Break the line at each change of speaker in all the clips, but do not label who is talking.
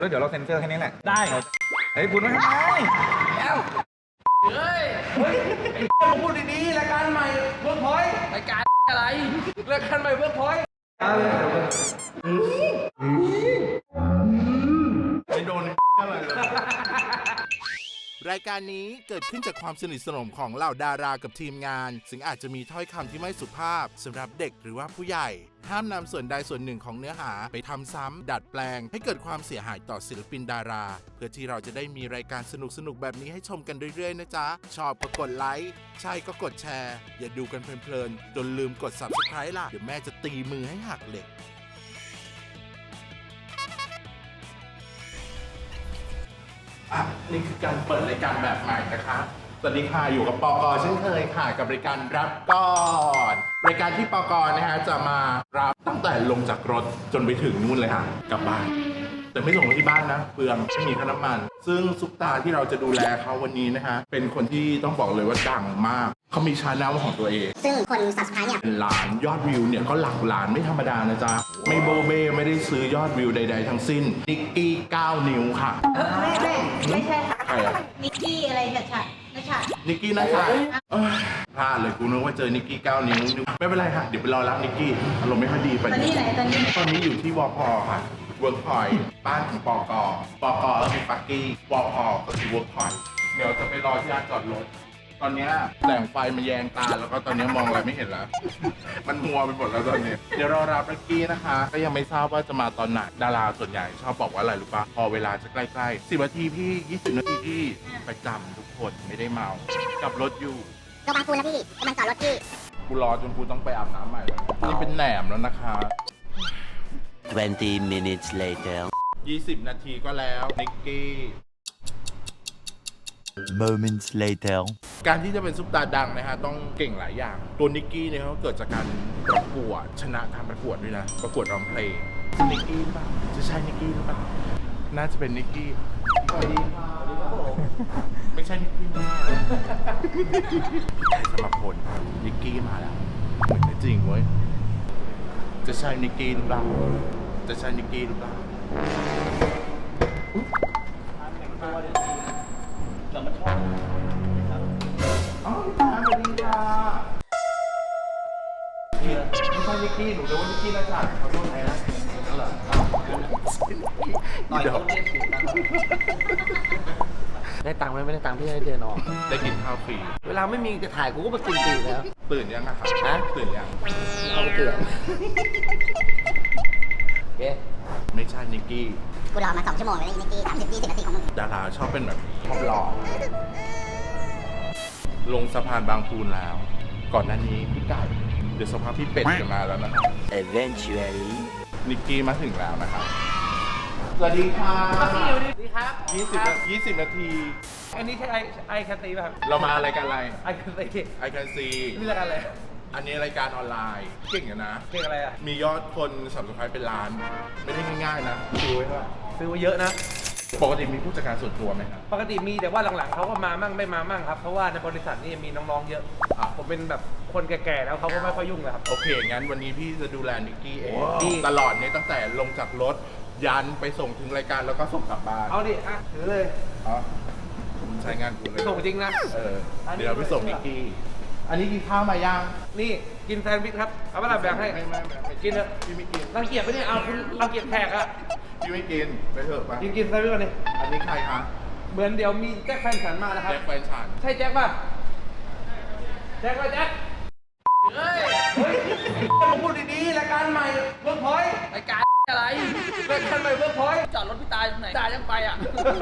แล้วเดี๋ยวเราเซ็นเซอร์แค่นี้แหละ
ได้
เฮ้ยพูดไว้ทำไมเอ้า
เฮ้ย
ไอ้มาพูดดีๆรายการใหม่เวิร์กพอยต์
รายการอะไรรายการใหม่เวิร์กพอยต์
ไม่โดนอะไรเลย
รายการนี้เกิดขึ้นจากความสนิทสนมของเหล่าดารากับทีมงานซึ่งอาจจะมีถ้อยคำที่ไม่สุภาพสำหรับเด็กหรือว่าผู้ใหญ่ห้ามนำส่วนใดส่วนหนึ่งของเนื้อหาไปทำซ้ำดัดแปลงให้เกิดความเสียหายต่อศิลปินดาราเพื่อที่เราจะได้มีรายการสนุกๆแบบนี้ให้ชมกันเรื่อยๆนะจ๊ะชอบก็กดไลค์ใช่ก็กดแชร์อย่าดูกันเพลินๆจนลืมกด Subscribe ล่ะเดี๋ยวแม่จะตีมือให้หักเหล็กนี่คือการเปิดรายการแบบใหม่นะคะสวัสดีค่ะอยู่กับปกเช่นเคยค่ะกับรายการรับก่อนรายการที่ปกนะฮะจะมารับตั้งแต่ลงจากรถจนไปถึงนู่นเลยค่ะกลับบ้านแต่ไม่ส่งไปที่บ้านนะเปลืองไม่มีค่าน้ำมันซึ่งซุปตาที่เราจะดูแลเขาวันนี้นะคะเป็นคนที่ต้องบอกเลยว่าดังมากเขามีชาแนลของตัวเอง
ซึ่งคน subscribe เนี่ย
เป็นล้านยอดวิวเนี่ยก็หลักล้านไม่ธรรมดานะจ๊ะไม่โบเบ้ไม่ได้ซื้อยอดวิวใดๆทั้งสิ้นนิกกี้9 นิ้วค่ะ
ไม่ใช่ค่ะ
ใครอะ
นิกกี้อะไรนะชัด
นิกกี้นะคะพลาดเลยกูนึกว่าเจอนิกกี้9 นิ้วไม่เป็นไรค่ะเดี๋ยวไปรอรับนิกกี้อารมณ์ไม่ค่อยดีไป
ตอนนี้ไหนตอนนี้
อยู่ที่วพค่ะเวิร์กพอยต์บ้านของปกก็คือปักกี้วพก็คือเวิร์กพอยต์เดี๋ยวจะไปรอที่ร้านจอดรถตอนนี้แสงไฟมันแยงตาแล้วก็ตอนนี้มองอะไรไม่เห็นแล้ว มันมัวไปหมดแล้วตอนนี้เดี๋ยวรอรับนิกกี้นะคะก็ยังไม่ทราบว่าจะมาตอนไหนดาราส่วนใหญ่ชอบบอกว่าอะไรรู้ปะพอเวลาจะใกล้ๆ10 นาทีพี่20 นาทีพี่ประจำทุกคนไม่ได้เมากับรถอยู่
ก็บางปูแล้วพี่กำลังจอดรถพี่
กูรอจนกูต้องไปอาบน้ำใหม่แล้วนี่เป็นแหนมแล้วนะคะ
20 minutes later
20 นาทีก็แล้วนิกกี้
moments later
การที่จะเป็นซุปตาดังนะฮะต้องเก่งหลายอย่างตัวนิกกี้เนี่ยเขาเกิดจากการประกวดชนะการประกวดด้วยนะประกวดร้องเพลงนิกกี้หรือเปล่าจะใช่นิกกี้หรือเปล่าน่าจะเป็นนิกกี้สวัสดีค่ะไม่ใช่นิกกี้นะพี่ไก่สมพลนิกกี้มาแล้วเหมือนจริงเว้ยจะใช่นิกกี้หรือเปล่าจะใช่นิกกี้หรือเปล่าอ๋อสวัสดีค่ะไม่ใช่นิกกี้หนูเรียกว่านิกกี้นะจ๊ะเขาโดนไหนนะนั่นเหรอต่อยเขาเนี่ย
ได้ตังค์ไหมไม่ได้ตังค์พี่ให้เดินออก
ได้กินข้าวฟรี
เวลาไม่มีจะถ่ายกูก็มากินฟรีแล้ว
ตื่นยังอะครับ
ฮะ
ตื่นยัง
เอาไปเกลือโอเค
ไม่ใช่นิกกี้
กูรอมา2 ชั่วโมงเลยนิกกี้30-20 นาทีของมึง
ดาราชอบเป็นแบบชอบหล่อลงสะพานบางปูนแล้ว ก่อนหน้านี้พี่ไก่เดี๋ยวสภาพพี่เป็ดจะมาแล้วนะครับ
eventually
นิกกี้มาถึงแล้วนะครับสวัสดีค่ะ
สวัสดีครับ
20 นาที
อันนี้ใช่ไอแคนตีป่ะครับ
เรามารายการอะไร
ไอแคนตี
I can see
นี่รายการอะไร
อันนี้รายการออนไลน์เก่งอยู่นะ
เพลงอะไรอ่ะ
มียอดคนSubscribeเป็นล้าน ไม่ได้ง่ายๆนะดูไว้ว่า
ซื้อมาเยอะนะ
ปกติมีผู้จัดการส่วนตัวไหมครับ
ปกติมีแต่ว่าหลังๆเขาก็มามั่งไม่มามั่งครับเพราะว่าในบริษัทนี่มีน้องๆเยอะ
อ่ะ
ผมเป็นแบบคนแก่ๆแล้วเขาก็ไม่ค่อยยุ่งเลยครับ
โอเค งั้นวันนี้พี่จะดูแลนิกกี้เอง
ดี
ตลอดเนี่ยตั้งแต่ลงจากรถยันไปส่งถึงรายการแล้วก็ส่งกลับบ้าน
เอาดิอ่ะถือเลย
อ๋อใช้งานกูเลย
ส่งจริงนะ
เดี๋ยวเราไปส่งนิกกี้ อันนี้กินข้าวมายัง
นี่กินแซนด์วิชครับเอาเวลาแบ่งให้
ไม่
กินเถอะ
พี่ไม่กิน
รังเกียจปะเนี่ยเอาคุณรังเกียจแขกอะ
พี่ไม่กิน ไปเถอะไป
กินแซนด์วิชก่อนดิ
อันนี้ใครคะ
เหมือนเดี๋ยวมีแจ็คแฟนฉันมานะครับ
แจ็คแฟนฉัน
ใช่แจ็คป่ะแจ็คป่ะแจ็คเฮ้ยมาพูดดีๆรายการใหม่เวิร์กพอยต์รายการอะไรรายการใหม่เวิร์กพอยต์จอดรถพี่ตายตรงไหนตายยังไปอ่ะ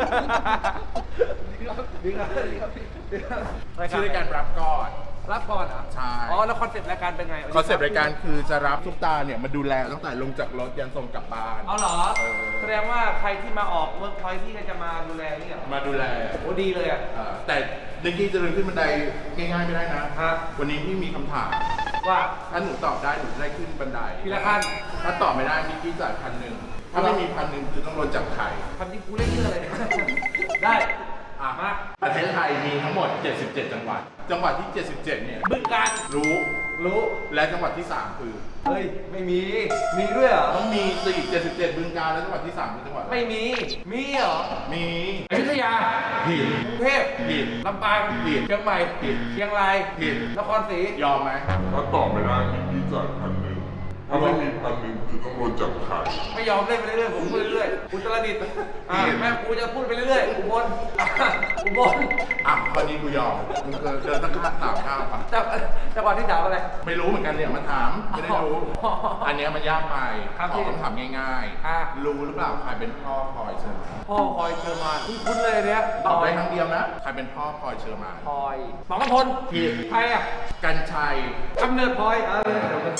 ดีครับ
ชื่อรายการรับก่อน
รับก่อนเหรอ
ใช่
อ๋อแล้วคอนเซ็ปต์รายการเป็นไง
คอนเซปต์รายการคือจะรับซุปตาเนี่ยมาดูแลตั้งแต่ลงจากรถยันส่งกลับบ้าน
เอาเหรอ
เออ
แสดงว่าใครที่มาออกเวิร์กพอยต์ที่จะมาดูแลนี่เหรอ
มาดูแล
โอ้ดีเลยอ่ะ
แต่นิกกี้จะเดินขึ้นบันไดง่ายๆไม่ได้นะ
ฮะ
วันนี้พี่มีคำถาม
ว่า
ถ้าหนูตอบได้หนูจะได้ขึ้นบันได
ทีละขั้น
ถ้าตอบไม่ได้นิกกี้จ่าย1,000ถ้าไม่มี1,000คือต้องโดนจับไข่
ทำที่กูเล่นเยอะเลย ได้
อ่ะ
มา
ประเทศไทยมีทั้งหมด 77 จังหวัด จังหวัดที่ 77 เนี่ย
บึงกาฬ
รู้
รู้
และจังหวัดที่ 3 คือ
เฮ้ยไม่มีด้วยเหรอ
ต้องมีสิ77 บึงกาฬแล้วจังหวัดที่ 3 คือจังหวัดอะไร
ไม่มีเหรอ
มี
อยุธยา
ผิด
กรุงเทพ
ผิด
ลำปาง
ผิด
เชียงใหม่
ผิด
เชียงราย
ผิด
นครศรี
ยอมไหม
ถ้าตอบไม่ได้พี่จ่าย1,000ถ้าไม่มี1,000คือต้องโดนจับขาย
ไม่ยอมเล่นไปเรื่อยๆผมพูดเรื่อยๆอุตรดิตถ์แม่กูจะพูดไปเรื่อยๆอุบลอุบล
อ่ะข้อนี้กูยอมมึงเดินตั้งข้ามข้ามปะ
จังหวัดที่สามอะไร
ไม่รู้เหมือนกันเนี่ยมาถามไม่ได้รู้
อ๋ออั
อันเนี้ยมันยากไป
ครับ
ขอคำถามง่าย
อ่ะ
รู้หรือเปล่าใครเป็นพ่อพลอยเชอร์มาน
พ่อพลอยเชอร์มานคุ้นๆเลยเนี้ย
ตอบได้ครั้งเดียวนะใครเป็นพ่อพลอยเชอร์มาน
พลอยหมอกำพล
ผิด
ใครอ่ะ
กันชัย
กำเนิดพลอยเดี๋ยวกัน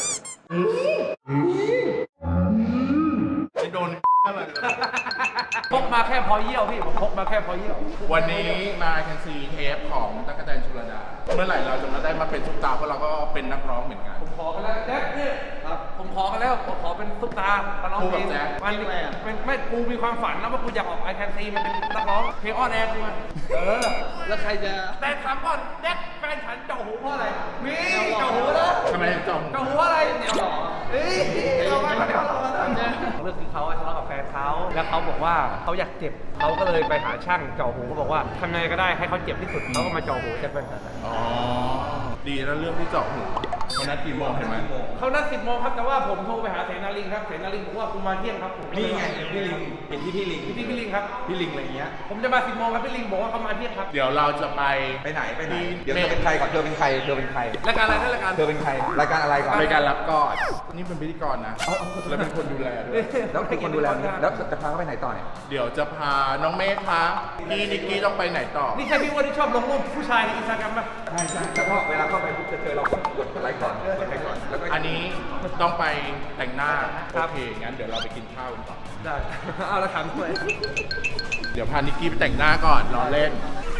ไม่โดนอะไร
พกมาแค่พอเยี่ยวพี่ผมพกมาแค่พอเยี่ยว
วันนี้มาแคนซีเทปของตั๊กแตนชลดาเมื่อไหร่เราจะมาได้มาเป็นซุปตาร์เพราะเราก็เป็นนักร้องเหมือนกัน
ผมขอกันแล้วแจ็คเนี่ยครับผมขอกันแล้วผมขอเป็นซุปตาร์มาร้องเพลง
คู่กับแจ็ค
มันเป็นไม่กูมีความฝันนะว่ากูอยากออกไอแคนซีมันเป็นนักร้องเพลงอ้อนแอนกูมาแล้วใครจะแต่ถามก่อนแจ็คแฟนฉันเจาะหูเพราะอะไรมีเจาะหูแล้ว
ทำไมถึงจม
เจาะหูอะไรเดี๋ยวหรอเฮ้ยเราไม่ได้เราเรื่องคือเขาทะเลาะกับแฟนเขาแล้วเขาบอกว่าเขาอยากเจ็บเขาก็เลยไปหาช่างเจาะหูเขาบอกว่าทำไงก็ได้ให้เขาเจ็บที่สุดเขาก็มาเจาะหูแจ็คแฟนฉัน
อ๋อดีแล้วเรื่องที่เจาะหูวันนั้นกี่โมงเห็นไหม
เขานัด10 โมงครับแต่ว่าผมโทรไปหาเสนาลิงครับเสนาลิงบอกว่าคุณมาเที่ยงครับผม
นี่ไงพี่ลิงเห็นที่พี่ลิง
พี่ลิงครับ
พี่ลิงอะไรเงี้ย
ผมจะมา10 โมงครับพี่ลิงบอกว่าเขามาเที่ยงครับ
เดี๋ยวเราจะไป
ไปไหน
ที่
เดี๋ยวเธอเป็นใครก่อนเธอเป็นใคร
รายการอะไรนั่นรายการ
เธอเป็นใคร รายการอะไรก่อน
รายการรับก่อนนี่เป็นพิธีกรนะแล้วเป็นคนดูแลด้วย
แล้วเป็นคนดูแลแล้วจะพาเขาไปไหนต่อเนี่ย
เดี๋ยวจะพาน้องเมฆคะพี่นิกกี้ต้องไปไหนต่อ
นี่ใช่พี่อ้วนที่ชอบลงรูปผู้ชายในอินสตาแกรมป่ะ
ใช่แล้วก็เวลาเข้าไปปุ๊บจะเจอเรากดไลค์ก่อนกดไลค์ก่อนแล้วก็
อันนี้ต้องไปแต่งหน้าโอเคงั้นเดี๋ยวเราไปกินข้าวกันก่อน
ได้เอาละถามด้วย
เดี๋ยวพานิกกี้ไปแต่งหน้าก่อนรอเล่น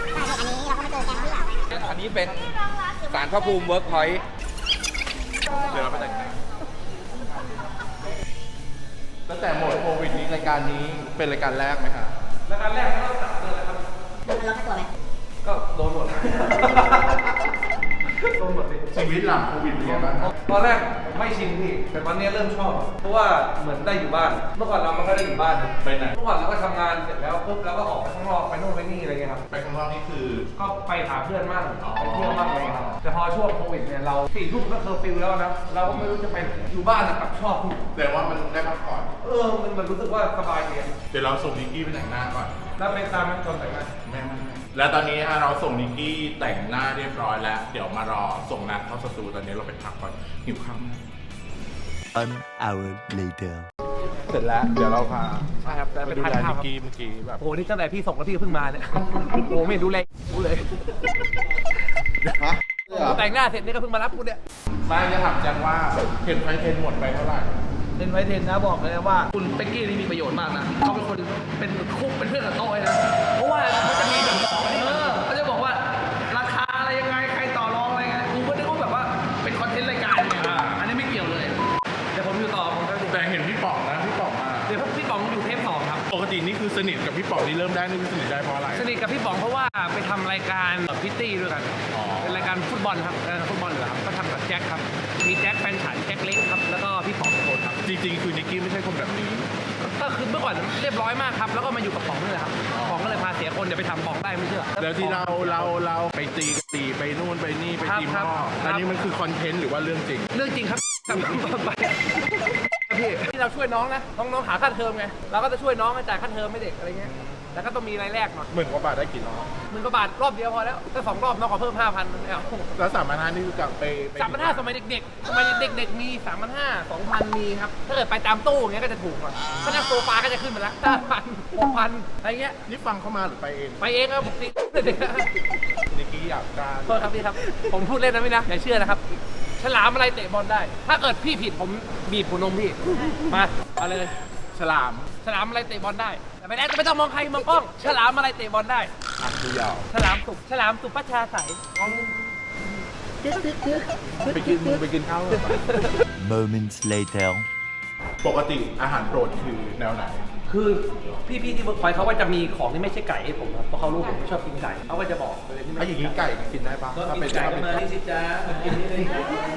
อันนี้เป็นศาลพระภูมิเวิร์กพอยต์
เดี๋ยวเราไปแต่งหน้าตั้งแต่หมดโควิดนี้รายการนี้เป็นรายการแรกไหมคะ
รายการแรกเขาจับเลยนะครับ
มันลดค่าตัวไหม
ก็โดนหมดโดนหมดดิ
ชีวิตหลังโควิดเป็นไงบ้างครับ
ตอนแรกไม่ชินพี่แต่ตอนนี้เริ่มชอบ เพราะว่าเหมือนได้อยู่บ้าน เมื่อก่อนเราไม่ค่อยได้อยู่บ้านนะ
ไปไหน
เมื่อก่อนเราก็ทำงานเสร็จแล้วปุ๊บเราก็ออกไปข้างนอกไปโน่นไปนี่อะไรเงี้ยครับ
ไปข้างนอกนี่คือ
ก็ไปหาเพื่อนมั่งไปเที่ยวมั่งอะไรครับแต่พอช่วงโควิดเนี่ยเรา4 ทุ่มก็เคอร์ฟิวแล้วนะเราก็ไม่รู้จะไปอยู่บ้านนะกลับชอบ
แต่ว่ามันได้พักผ่อน
มันรู้สึกว่าสบายดี
เดี๋ยวเราส่งนิกกี้ไปแต่งหน้าก่อน
แล้วไปตามมันจนแต่งงาน
ไม่แล้วตอนนี้เราส่งนิกกี้แต่งหน้าเรียบร้อยแล้ว เดี๋ยวมารอส่งนัดเข้าสตูตอนนี้เราไปพักก่อนหิวข้าวมาก
1 hour later
เสร็จแล้ว เดี๋ยวเราพา
ใช่ครับแต่
ไป
เป็น
ดู
ทาน
แล
ข้า
นิ
ว
กกี้เมื่อกี้แบบ
โอ้โหนี่ตั้งแต่พี่ส่งแล้วพี่ก็เพิ่งมาเนี่ยโอ้โหไม่ดูแลกูเลยแต่งหน้าเสร็จนี่ก็เพิ่งมารับกูเนี่ย
ไม่จะถามแจ็คว่าเทรนไฟเทรนหมดไปเท่าไหร่
เล่นไว้เทนนะบอกเลยนะว่าคุณเป็กกี้นี่มีประโยชน์มากนะเขาเป็นคนเป็นคู่เป็นเพื่อนกับโต้ยนะเพราะว่าเขาจะมีแบบเขาจะบอกว่าราคาอะไรยังไงใครต่อรองอะไรไงกูก็นึกว่าแบบว่าเป็นคอนเทนต์รายการไงอันนี้ไม่เกี่ยวเลยเดี๋ยวผมอยู่ต่อผมก็
แต่เห็นพี่ป๋องนะพี่ป๋องมา
เดี๋ยวพี่ป๋องอยู่เทป2ครับ
ปกตินี่คือสนิทกับพี่ป๋องนี่เริ่มได้นี่คือสนิทได้เพราะอะไร
สนิทกับพี่ป๋องเพราะว่าไปทำรายการพิตตี้ด้วยกัน
อ๋อ
เป็นรายการฟุตบอลครับฟุตบอลเหรอครับก็ทำกับแจ็คครับมีแจ็คแฟนฉันแจ็คเล็กครับแล้วก็พี่ป๋องโคนครับ
จริงๆคือนิกกี้ไม่ใช่คนแบบนี้
ก็คือเมื่อก่อนเรียบร้อยมากครับแล้วก็มาอยู่กับป๋องนี่แหละครับป๋องก็เลยพาเสียคนเดี๋ยวไปทำป๋องได้ไม่เชื่อ
แล้วที่เราไปตีกันตีไปนู่นไปนี่ไปตีห
ครั
ม้
บ
อ
ครับ
อันนี้มันคือคอนเทนต์หรือว่าเรื่องจริง
เรื่องจริงครับทำไปพี่ที่เราช่วยน้องนะน้องหาค่าเทอมไงเราก็จะช่วยน้องจ่ายค่าเทอมให้เด็กอะไรเงี้ยแต่ก็ต้องมีรายแรกหน่อย
หมื่นกว่าบาทได้กี่รอบ
10,000 กว่าบาทรอบเดียวพอแล้วถ้า2 รอบน้องขอเพิ่ม 5,000ไม่เอา
แล้ว3,500นี่คือกลับไป
3,500สมัยเด็กๆสมัยเด็กๆมี 3,500 2,000 มีครับถ้าเกิดไปตามตู้อย่างเงี้ยก็จะถูกกว่าถ้านั่งโซฟาก็จะขึ้นไปแล้ว5,000 6,000อะไรเงี้ย
นี่ฟังเข้ามาหรือไปเอง
ไปเองครับปกติ
นิกกี้อยากการ
โทษครับพี่ครับผมพูดเล่นนะพี่นะอย่าเชื่อนะครับฉลามอะไรเตะบอลได้ ถ้าเกิดพี่ผิดผมบีบหัวนมพี่มาเอาเลย
ฉลาม
ฉลามอะไรเตะบอลได้แต่ไม่ต้องมองใครมองกล้องฉลามอะไรเตะบอลได้
อ่ะดูยาว
ฉลามสุประชาใส
ไปกินข้าวกัน
moments later
ปกติอาหารโปรดคือแนวไหน
คือพี่ที่เวิร์กพอยต์เขาก็จะมีของที่ไม่ใช่ไก่ให้ผมครับเพราะเขารู้ผมไม่ชอบกินไก่เขาก็จะบอกเลยที่ไม่
ไอ้อย่างนี้ไก่กินได้ปะ
ก็
ถ้า
กิ
เป็น
นไก่ก็มานี่สิจ้ากินนี่เลย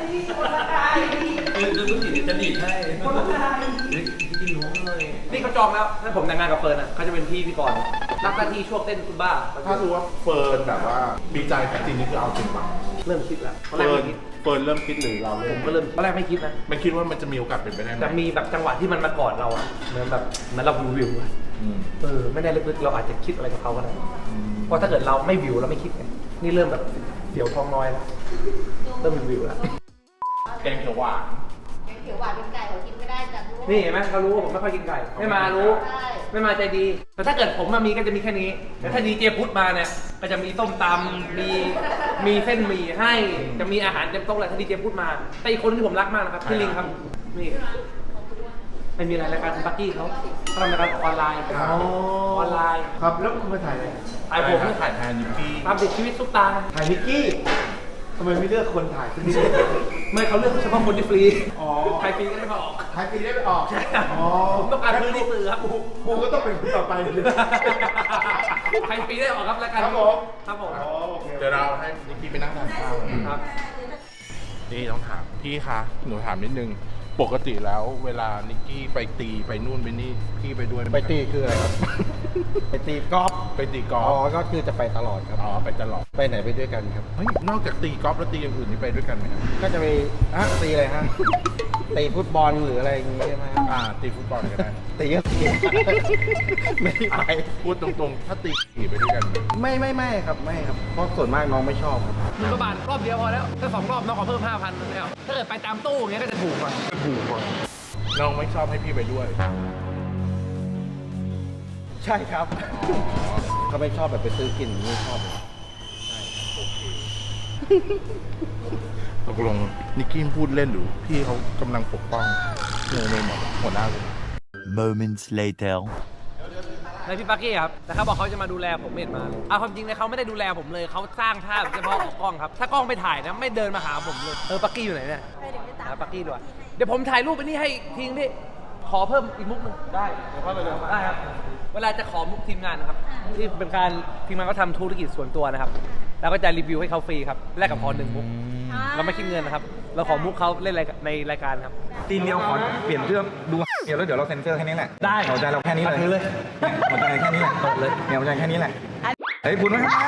คือลูกศิษย์จะดีดให้กินหัวเลยนี่เขาจองแล้วถ้าผมแต่งงานกับเฟิร์นอ่ะเขาจะเป็นพี่ก่อนรับหน้าที่ช่วงเต้นซุมบ้า
ถ้ารู้ว่าเฟิร์นแบบว่าดีใจจริงนี่คือเอาจริงปะ
เริ่มคิดแล้ว
เฟิร์นเริ่มคิดหรือเรา
ผมก็เริ่มตอนแรกไม่คิดนะ
ไม่คิดว่ามันจะมีโอกาสเป็นไปได้ไหม
แต่มีแบบจังหวะที่มันมากอดเราอ่ะเหมือนแบบเหมือนเราวิวอะ
อืม
ไม่แน่ลึกๆเราอาจจะคิดอะไรกับเขาก็ได้เพราะถ้าเกิดเราไม่วิวเราไม่คิดไงนี่เริ่มแบบเดี๋ยวท้องน้อยแล้วเริ่มวิวแล้ว
แกงเขียวหวาน
เขียวหวานเป็นไก่เขากินไม่ได้จ้ะลูก
นี่เห็นไหมเขารู้ว่าผมไม่ค่อยกินไก่ไม่มารู้
ใช่
ไม่มาใจดี แต่ถ้าเกิดผมมามีก็จะมีแค่นี้แต่ถ้าดีเจพุทธมาเนี่ยก็จะมีส้มตำมีเส้นหมี่ให้จะมีอาหารเต็มโต๊ะเลยถ้าดีเจพุทธมาแต่อีกคนที่ผมรักมากนะครับพี่ลิงครับนี่ไม่มีอะไรรายการคุณปักกี้เขาทำรายการออนไลน์ออนไลน์
ครับแล้วคุณมาถ่ายอะไร
ถ่ายผม
ถ่ายแทนนิกกี้
ตามติดชีวิตซุปตา
ถ่ายนิกกี้ทำไมไม่เลือกคนถ่ายสักนิด
ไม่เขาเลือกเฉพาะคนที่ฟรี
อ๋อ
ใครฟรีก็ได้มาออก
ถ่ายปีได้ไปออกอ๋อ
ผมต้องการพื้นที่สื่อครับ
กูก็ต้องเป็นคนต่อไปเลย
ใครฟรีได้ออกครับรายการ
ครับผม
ครับผม
อ๋อโอเค
เดี๋ยวเราให้นิกกี้ไปนั่งทานข้าว
ครับ
นี่ต้องถามพี่คะหนูถามนิดนึงปกติแล้วเวลานิกกี้ไปตีไปนู่นไปนี่พี่ไปด้วยหม
ไปตีคืออะไรครับ ไปตีกอล์ฟ
ไปตีกอ
อ๋อ
ล์ฟ
ก็คือจะไปตลอดครับ
อ๋อไปตลอด
ไปไหนไปด้วยกันครับ
เฮ้ยนอกจากตีกอล์ฟแล้วตีอย่างอื่นนี่ไปด้วยกันไหมครับ
ก็จะไปตีอะไรฮะ ตีฟุตบอลหรืออะไรอย่างงี้ใช่ไหมครับ
ตีฟุตบอลก็ได้
ตีก็ตี ไม่ได้ไป
พูดตรงๆ ถ้าตีขี่ไปด้วยกันไหม
ไม่ครับไม่ครับ เพราะส่วนมากน้องไม่ชอบครับ
หมื่นกว่าบาทรอบเดียวพอแล้วถ้า2 รอบน้องขอเพิ่ม 5,000แล้วถ้าเกิดไปตามตู้อย่างเงี้ยก็จะถูกกว่า
น้องไม่ชอบให้พี่ไปด้วย
ใช่ครับเขาไม่ชอบแบบไปซื้อกินไม่ชอบเลย
ตกลงนิกกี้พูดเล่นหรือพี่เขากำลังปกป้องโนหมดหัวหน้าเลย
Moments later.
ในพี่ปักกี้ครับแต่เขาบอกเขาจะมาดูแลผมไม่เห็นมาเลยเอาความจริงเลยเขาไม่ได้ดูแลผมเลยเขาสร้างภาพเฉพาะของกล้องครับถ้ากล้องไปถ่ายนะไม่เดินมาหาผมเลยปักกี้อยู่ไหนเนี่ยหาปักกี้ด้วยเดี๋ยวผมถ่ายรูปไปนี่ให้ทิ้งพี่ขอเพิ่มอีกมุกหนึงได้เดี๋ยวเข้าไปเลยได้ครับเวลาจะขอมุกทีมงานนะครับที่เป็นการทีมงานก็ทำธุรกิจส่วนตัวนะครับแล้วก็จะรีวิวให้เขาฟรีครับแลกกับพอ1 มุกเราไม่คิดเงินนะครับเราขอมุกเขาเล่นในรายการครับ
ทีเดียวขอเปลี่ยนเรื่องดูเดี๋ยวแล้วเดี๋ยวเราเซ็นเซอร์แค่นี้แหละ
ได้
หัวใจเราแค่นี้เลยเนี่ยหัวใจแค่นี้แหละเลยเนี่ยหัวใจแค่นี้แหละเฮ้ยคุณไม่ทำไม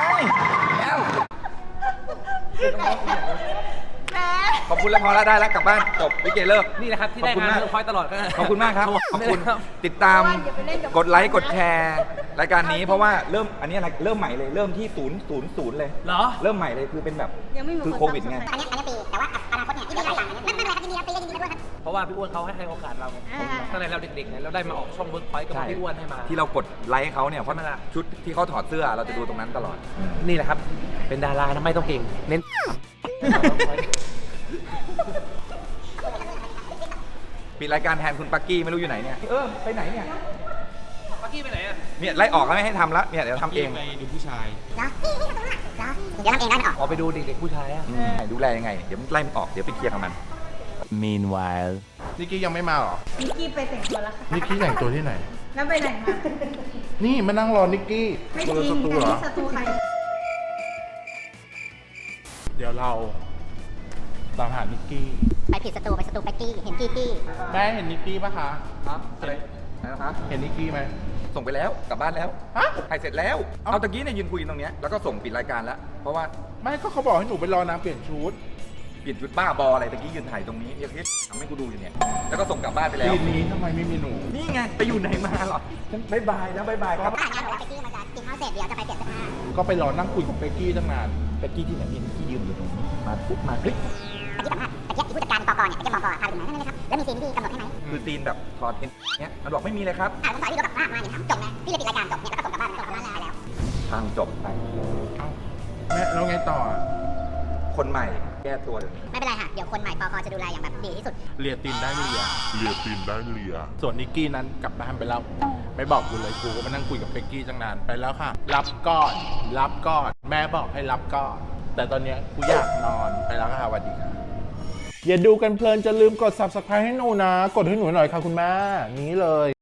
ขอบคุณแล้วพอแล้วได้แล้วกลับบ้านจบวิเกเลิก
นี่แหละครับที่ได้งานเวิร์กพอยต์ตลอดก็
ขอบคุณมากครับขอบคุณติดตามกดไลค์กดแชร์รายการนี้เพราะว่าเริ่มอันนี้อะไรเริ่มใหม่เลยเริ่มที่000เลย
เหรอ
เริ่มใหม่เลยคือเป็นแบบคือโควิดไง
อันนี้ฟรีแต่ว่าอนาคตเนี่ยที่ไม่ได้ตังค์ไม่เป็นไรครับยินดีรับฟรียินดีด้วยครับ
เพราะว่าพี่อ้วนเขาให้โอกาสเราไงตั้งแต่เราเด็กๆไงเราได้มาออกช่องเวิร์กพอยต์กับพี่อ้วนให้มา
ที่เรากดไลค์เขาเนี่ยเพราะ
ใช่ไหมล่ะ
ชุดที่เขาถอดเสื้อเราจะดูตรงนั้นตลอด
นี่แหละครับ เป็นดารานะไม่ต้องเก่ง เน้น
ปิดรายการแทนคุณปักกี้ไม่รู้อยู่ไหนเนี่ยไปไหนเนี่ย
ปักกี้ไปไหนอ่ะ
เนี่ยไล่ออกแล้วไม่ให้ทำละเนี่ยเดี๋ยวทำเอง
เนาะเดี๋ยวทำเองได้ไหมออก
ออกไปดูเด็กๆผู้ชายอ่ะ
ดูแลยังไงเดี๋ยวไล่มันออกเดี๋ยวไปเคลียร์กับมัน
Meanwhile.
นิกกี้ยังไม่มาหรอ
นิกกี้ไปแต่งตัวแล้วค่ะ
นิกกี้แต่งตัวที่ไหน
แล้วไปไหนมา
นี่มานั่งรอนิกกี้
ไม่
ตัว
จริง
สตู
แต่
เหรอ
นี่สตูใคร
เดี๋ยวเราตามหานิกกี้
ไปผิดสตูไปสตูไปกี้เห็นกี้กี้
แม่เห็นนิกกี้ปะคะ
ครับอะไรนะครับ
เห็นนิกกี้ไหม
ส่งไปแล้วกลับบ้านแล้ว
ฮะ
ถ่ายเสร็จแล้ว
เอ้า
เอาตะกี้เนี่ยยืนคุยกันตรงเนี้ยแล้วก็ส่งปิดรายการแล้วเพราะว่า
ไม่ก็เขาบอกให้หนูไปรอนางเปลี่ยนชุด
เปลี่ยนชุดบ้าบออะไรตะกี้ยืนถ่ายตรงนี้ยังทำให้กูดูอยู่เนี่ยแล้วก็ส่งกลับบ้านไปแล้ว
ทีนี้ทำไมไม่มีหนู
นี่ไงไปอยู่ไหนมาหรอฉันบายบายแล้วบายบายครับ
ถ้างานบอกว่าไปกี้มันจะกินข้าวเสร็จเดี๋ยวจะไปเปลี่ยนเสื้อผ้า
ก็ไปรอนั่งคุยกับเบกกี้ตั้งนาน
ตะกี้ที่ไหนพี่ตะกี้ยืนอยู่ตรงนี้มาปุ๊บมาคลิก
ตะกี้สัมภาษณ์ตะกี้ผู้จัดการปกเนี่ยตะกี้ปกพาไปดูไหนนั่นเลยครับแล้วมีซีนที่กำหนดให้ไหม
คือตีนแบบถอดเอ็นเนี้ยมันบอกไม่มีเลยครับ
ผมสอนพี่รถกลับบ้านมาเนี่ยจบนะพี่เลยปิดรายการจบเนี่ยแล้วก็ส่งกลับบ้านส่งกลับบ้านไปแล้ว
ทางจบไป
เอ้าแม่แล้วไงต่ออะ
คนใหม่แก้ตัวเดี๋ยวนี้
ไม่เป็นไรค่ะเดี๋ยวคนใหม่ปกจะดูแลอย่างแบบดีที่สุด
เลียตีนได้เลีย
เลียตีนได้เลีย
ส่วนนิกกี้นั้นกลับบ้านไปแล้ว ไม่บอกกูเลยกูก็มานั่งคุยกับเบกกี้ตั้งนานไปแล้วค่ะ รับก่อนรับก่อนแม่บอกให้รับก่อนแต่ตอนเนี้ยกูอยากนอนไปแล้วค่ะสวัสดีค่ะอย่าดูกันเพลินจะลืมกด subscribe ให้หนูนะ กดให้หนูหน่อยค่ะคุณแม่นี้เลย